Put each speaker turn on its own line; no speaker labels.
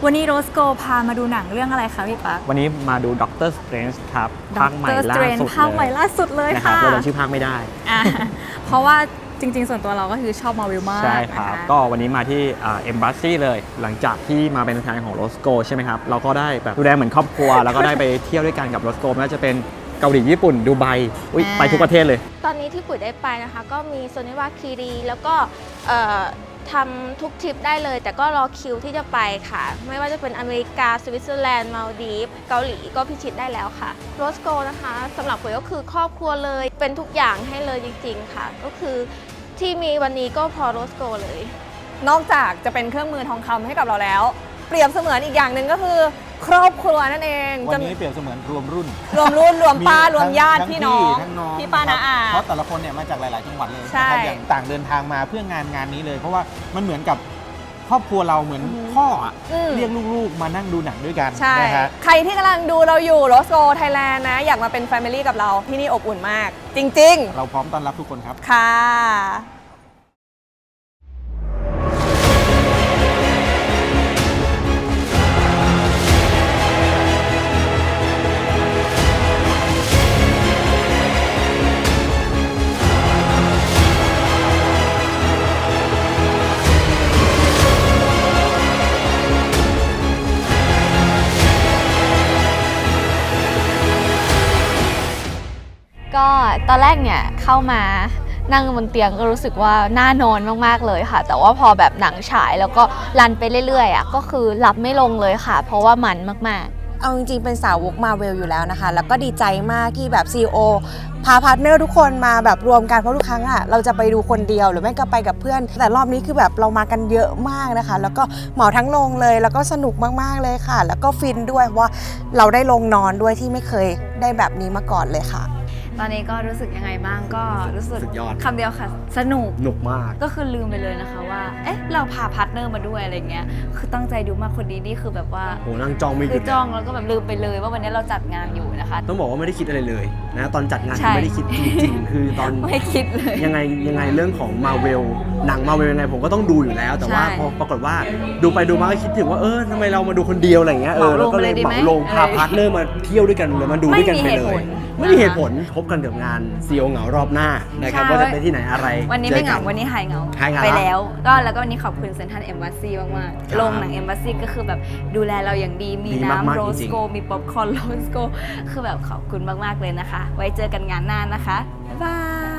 วันนี้โรสโกพามาดูหนังเรื่องอะไรคะพี่ปั๊ก
วันนี้มาดูด็อกเตอร์สเตรนจ์ครับภาคใหม่ล่าสุด
ภาคใหม่ล่าสุดเลยค่ะ
เราชื่อภาคไม่ได้
เพราะว่าจริงๆส่วนตัวเราก็คือชอบมาวิลมาก
ใช่ครับก็วันนี้มาที่เอมบาสซี่เลยหลังจากที่มาเป็นตัวแทนของโรสโกใช่ไหมครับเราก็ได้แบบดูแลเหมือนครอบครัวแล้วก็ได้ไปเที่ยวด้วยกันกับโรสโกไม่ว่าจะเป็นเกาหลีญี่ปุ่นดูไบไปทุกประเทศเลย
ตอนนี้ที่ปุ๋ยได้ไปนะคะก็มีโซนิวาคีรีแล้วก็ทำทุกทริปได้เลยแต่ก็รอคิวที่จะไปค่ะไม่ว่าจะเป็นอเมริกาสวิตเซอร์แลนด์มาลดีฟเกาหลีก็พิชิตได้แล้วค่ะโรสโกนะคะสำหรับปุ๋ยก็คือครอบครัวเลยเป็นทุกอย่างให้เลยจริงๆค่ะก็คือที่มีวันนี้ก็พอโรสโกเลย
นอกจากจะเป็นเครื่องมือทองคำให้กับเราแล้วเปรียบเสมือนอีกอย่างหนึ่งก็คือครอบครัวนั่นเอง
วันนี้เปรียบเสมือนรวมรุ่น
รวมป้ารวมญาติพี่น้องพี่ป้าน้าอา
เพราะแต่ละคนเนี่ยมาจากหลายๆจังหวัดเลยนะครับอย่างต่างเดินทางมาเพื่องานนี้เลยเพราะว่ามันเหมือนกับครอบครัวเราเหมือนพ่อเรียกลูกๆมานั่งดูหนังด้วยกันนะฮะ
ใครที่กำลังดูเราอยู่โรสโกไทยแลนด์นะอยากมาเป็นแฟมิลี่กับเราที่นี่อบอุ่นมากจริงๆ
เราพร้อมต้อนรับทุกคนครับ
ค่ะ
ก็ตอนแรกเนี่ยเข้ามานั่งบนเตียงก็รู้สึกว่าน่านอนมากๆเลยค่ะแต่ว่าพอแบบหนังฉายแล้วก็รันไปเรื่อยๆก็คือหลับไม่ลงเลยค่ะเพราะว่ามันมากๆ
เอาจริงๆเป็นสาวกมาเวลอยู่แล้วนะคะแล้วก็ดีใจมากที่แบบ CEO พาพาร์ทเนอร์ทุกคนมาแบบรวมกันเพราะทุกครั้งเราจะไปดูคนเดียวหรือไม่ก็ไปกับเพื่อนแต่รอบนี้คือแบบเรามากันเยอะมากนะคะแล้วก็เหมาทั้งโรงเลยแล้วก็สนุกมากๆเลยค่ะแล้วก็ฟินด้วยว่าเราได้ลงนอนด้วยที่ไม่เคยได้แบบนี้มาก่อนเลยค่ะ
ตอนนี้ก็รู้สึกยังไงบ้างก็รู้สึกคำเดียวค่ะสนุก
มาก
ก็คือลืมไปเลยนะคะว่าเราพาพาร์ทเนอร์มาด้วยอะไรเงี้ยคือตั้งใจดูมากคนนี้นี่คือแบบว่า
โหนั่งจ้องไม่หยุด
คือจ้องแล้วก็แบบลืมไปเลยว่าวันนี้เราจัดงานอยู่นะคะ
ต้องบอกว่าไม่ได้คิดอะไรเลยนะตอนจัดงานไม่ได้คิดจริงๆคือตอน
ไม่คิดเลย
ยังไงเรื่องของมาเวลหนังมาเวลยังไงผมก็ต้องดูอยู่แล้วแต่ว่าพอปรากฏว่าดูไปดูมาก็คิดถึงว่าทำไมเรามาดูคนเดียวอะไรเงี้ยแล้วก็เลยเหมาลงพาพาร์ทเนอร์มาเที่ยวด้วยกันเลยมาดูด้วยกันไปเลยไม่มีเหตุผลพบกันกับงานซีโอเหงารอบหน้านะครับว่าจะไปที่ไหนอะไร
วันนี้ไม่เหงาวันนี้หายเหงาไปแล้วแล้วก็วันนี้ขอบคุณเซ็นทรัลเอมบาสซี่มากๆโรงหนังเอมบาสซี่ก็คือแบบดูแลเราอย่างดีมีน้ำโรสโกมีป๊อปคอร์นโรสโกคือแบบขอบคุณมากๆเลยนะคะไว้เจอกันงานหน้านะคะบ๊ายบาย